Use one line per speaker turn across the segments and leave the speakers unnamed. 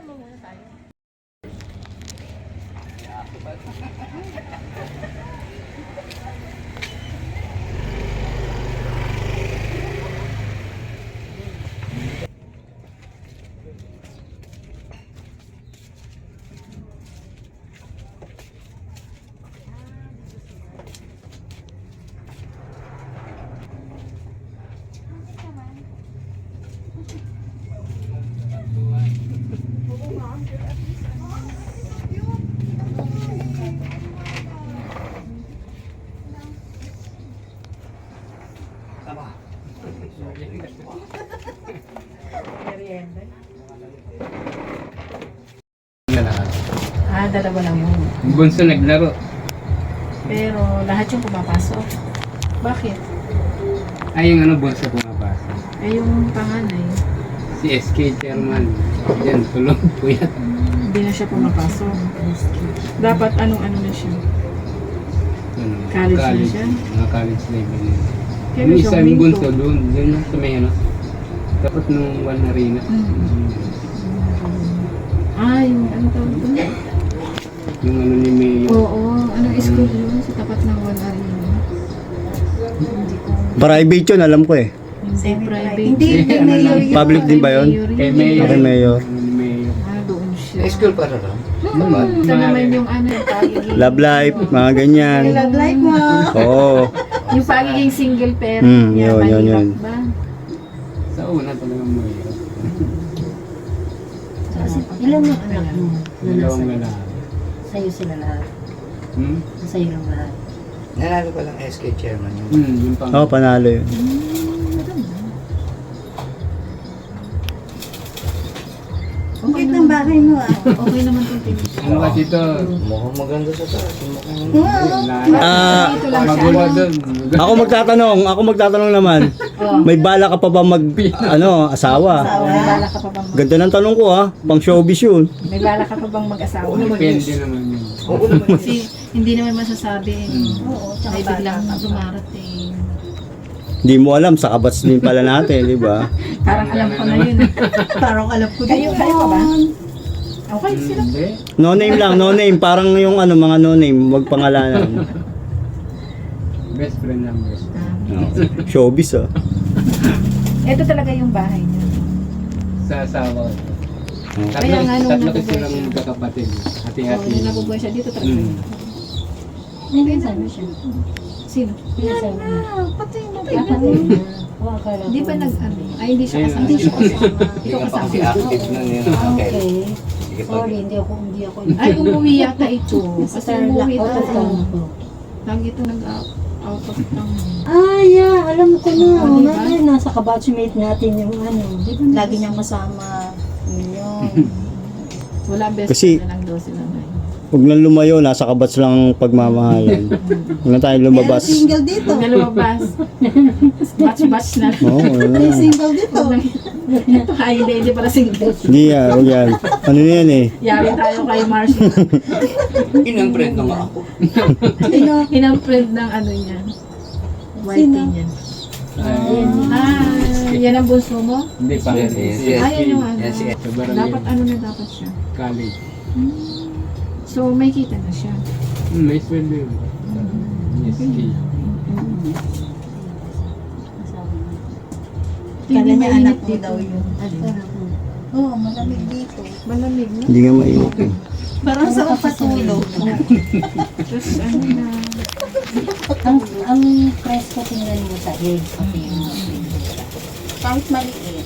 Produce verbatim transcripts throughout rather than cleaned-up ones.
mo muna tayo. Ah, dalawa lang yun.
Yung bunso naglaro.
Pero lahat yung pumapasok. Bakit?
Ay, yung ano, bunso pumapasok.
Ay, yung panganay,
Si S K chairman. Yan, tulog po yan.
hindi na siya pumapasok. Dapat anong-ano na siya?
Ano,
College na siya?
Mga college level na.
Kaya
Yung
siya
isang
huminto.
bunso doon, doon na sa may ano. Dapat nung one arena.
Mm. Ah, yung ano tawag doon?
Yung ano ni Mayo.
Oo, anong school yun? Sa tapat ng one arena. Hindi ko.
Private yun, alam ko eh.
Hindi private.
Hindi, hindi
ano
mayor
lang.
yun.
Public din ba yun?
Kay Mayo.
Kay Mayor.
Ano ni Mayo.
Ah, doon siya.
School para lang.
Hmm, ito naman yung ano, yung pagiging...
Love life, mga ganyan.
Love life mo.
Oo.
Yung pagiging single parent
Hmm,
niya,
yun, yun,
mahirap
yun.
ba?
Sa una talagang Mayo.
Kasi ilan yung anak mo na nasa
Dalawang lalaki.
sa'yo sila lahat?
Hmm?
Sa'yo lang lahat?
Nanalo pa lang S K chairman yun.
Hmm, yung pang...
Oo, panalo yun.
Okay ng bahay mo ah.
Okay naman itong tinis.
Ano kasi ito?
Mukhang maganda sa taas. Mukhang...
Ah,
Dito lang siya.
Magulo doon.
ako magtatanong, ako magtatanong naman. May bala ka pa ba mag, ano, asawa?
May bala ka pa bang mag-
Ganda ng tanong ko ha, pang showbiz yun.
May bala ka pa bang mag-asawa?
Depende naman yun.
Oo naman.
Kasi hindi naman masasabi.
Oo, tsaka
May biglang
bata ka pa.
dumarating.
Hindi mo alam, sa kabats din pala natin, di ba?
Parang alam ko na yun.
Parang alam ko
Kayo,
din
kayo pa ba?
yun.
Okay, sila.
Hindi.
No name lang, no name. Parang yung ano, mga no name, wag pangalanan.
Best friend lang, best friend.
No. Showbiz ah.
Ito talaga yung bahay niya.
Sa asawa ko. Tatlo,
Kaya nga nung
tatlo
nabubuhay
kasi silang
siya.
magkakapatid.
So,
Hati-hati.
nung nabubuhay siya dito talaga.
Mm.
Pinsan mo siya.
Sino?
Pinsan mo.
Patay na.
Kapatid na. O, akala
Hindi
ko-
ba nag ano? Ay, hindi siya
Ayun,
kasama.
Hindi siya kasama.
Hindi ka pa kasi active na yun.
Ah,
Okay.
okay.
Sige pa.
Sorry, hindi ako, hindi ako.
Ay, umuwi yata ito. Kasi
Star
umuwi
out of
ito.
town ako.
Lagi ito nag-out out of town.
Ah, yeah, alam ko na.
Oh, di ba?
Natin, nasa kabatchmate natin yung ano. Di ba lagi niyang kasama. Yun.
Wala best
Kasi-
friend na lang daw sila ngayon.
Huwag nang lumayo, nasa kabats lang ang pagmamahalan. Huwag na tayo lumabas.
Pero single dito.
Huwag na lumabas. Batch-batch na lang.
Oo, oh,
May single dito.
Ito ay hindi, hindi para single.
Hindi yan, huwag yan. Ano na yan eh?
Yari tayo kay Marcy.
Inang friend na nga ako.
Sino?
Inang friend ng ano niya. Whitey
Sino?
niya.
Ay,
Ah, yan ang bunso mo?
Hindi pa.
Yes, yes,
Si
yes.
Ah, yan yung ano.
Yan si
Sa barangay.
Dapat ano na dapat siya.
College.
So, may kita na siya.
Hmm, may sweldo yun. Yes, key.
Hindi
Kala niya
mainit
anak mo
dito.
daw yun. Oo, oh, malamig dito.
Malamig na.
Hindi nga mainit eh.
Parang sa kapatulog.
Tapos ano na.
ang, ang presko tingnan mo sa eggs, pati yung kahit maliit.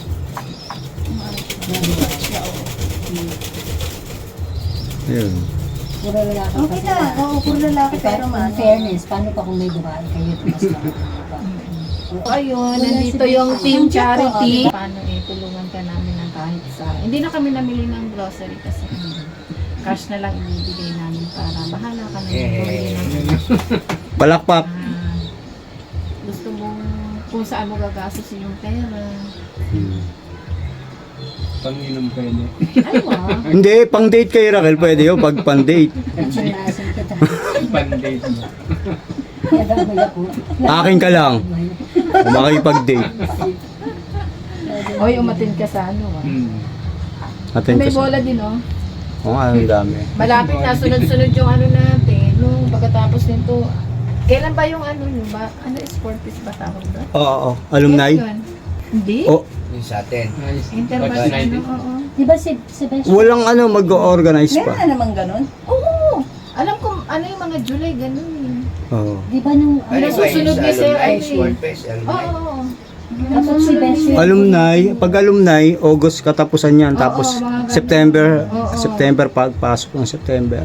Ayun.
Puro lalaki. Okay na, oo, puro lalaki. Pero in fairness, paano pa kung may babae kayo, mas pa.
Ayun, nandito yung Team Charity. Paano eh, tulungan ka namin ng kahit sa... Hindi na kami namili ng grocery kasi cash na lang ibibigay namin para bahala ka na yung bumili ng
Palakpak.
ah, gusto mo kung saan mo gagastusin yung pera.
Hmm.
Panginom pwede.
Ay, wow.
Hindi, pang date kay Raquel, pwede yun, pag pang date.
Chinasin kita.
Pan-date mo.
Kaya dahil ako.
Akin ka lang. Kung makipag-date.
Oy, umatin ka sa ano ah.
Hmm.
Atin
May
ko sa...
bola din, oh.
Oo nga, ang dami.
Malapit na, sunod-sunod yung ano natin. Nung pagkatapos nito, kailan ba yung ano yun ba? Ano, sport piece ba tawag doon?
Oo, oo. Alumni?
Kailan yun? Hindi?
Oh,
Yung sa atin.
Interbat na, ano, oo.
Di ba si Sebastian?
walang ano, mag-organize
Meron
pa.
na naman ganun.
Oo! Alam ko, ano yung mga July, ganun eh.
Oo.
Di ba nung...
Ano
Yung
ba
susunod
yung
ni
sa
Sir,
alumni,
ano eh.
sport fest,
Oo,
alumni?
oo, oo.
Tapos si Bessie.
Alumni, pag alumni, August katapusan yan.
Oo,
Tapos
mga ganun.
September,
Oo.
September pagpasok ng September.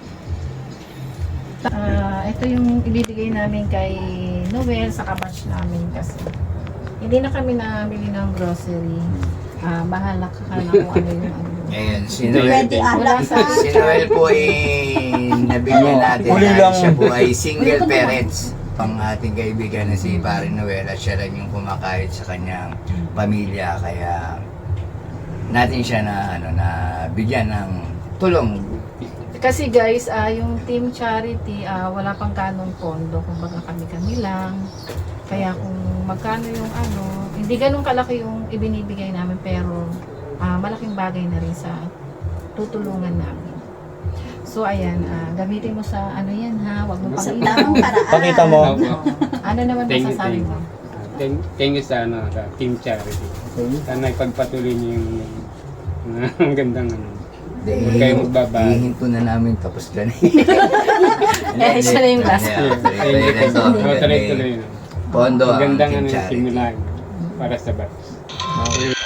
Ah, ito yung ibibigay namin kay Noel sa kabatch namin kasi hindi na kami namili ng grocery. Ah, bahala ka na kung ano yung ano.
Ngayon, si Noel,
Pwede
Wala
alak.
sa
si Noel po ay nabigyan natin
Huli
dahil
lang.
siya po ay single parents pang ating kaibigan na si Pare Noel at siya lang yung kumakahit sa kanyang pamilya kaya natin siya na ano na bigyan ng tulong.
Kasi guys, ah, yung team charity, ah, wala pang kanong pondo. Kumbaga kami-kami lang. Kaya kung magkano yung ano, hindi ganun kalaki yung ibinibigay namin pero ah, malaking bagay na rin sa tutulungan namin. So ayan, ah, gamitin mo sa ano yan ha, wag mo
Sa
pang
tamang paraan.
Pakita mo.
Ano naman
Thank you,
masasabi
thank
mo?
you. Thank, thank you sa, ano, sa Team Charity. Sana ipagpatuloy niyo yung uh, ang gandang ano. Huwag kayo magbabago.
Hihinto na namin tapos ka na.
Eh, siya na yung last.
Yeah, thank you po. Oh, tuloy-tuloy na.
Pondo
Ang
ang
gandang
Team
ano yung
Charity.
simulan para sa batch.